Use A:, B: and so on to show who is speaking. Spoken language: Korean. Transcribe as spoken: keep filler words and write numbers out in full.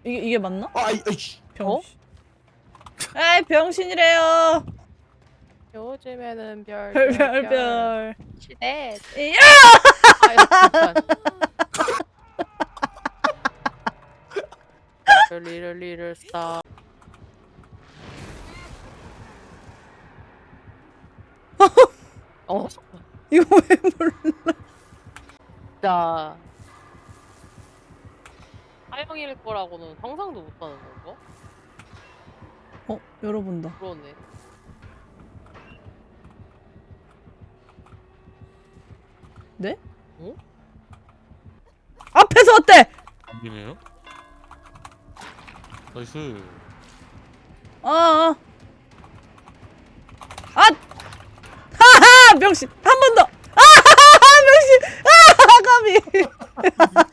A: 이게 이게 맞나?
B: 아, 이, 아이씨.
A: 병신. 에이 병신이래요.
C: 요즘에는 별,
A: 별
C: 별,
A: 별
C: 별.
A: 별.
C: 시대.
A: 이야!
C: 아유, 잠깐. 리를 리를 스타. 어,
A: 이거 왜 몰라?
C: 진짜. 하영일 거라고는 상상도 못하는 건가?
A: 어 열어본다.
C: 그러네.
A: 네?
C: 어?
A: 앞에서 어때?
B: 안 되네요? 나이스.
A: 어. 어. 아! 하하! 명신 한 번 더. 아하하! 명신. 아! 까비.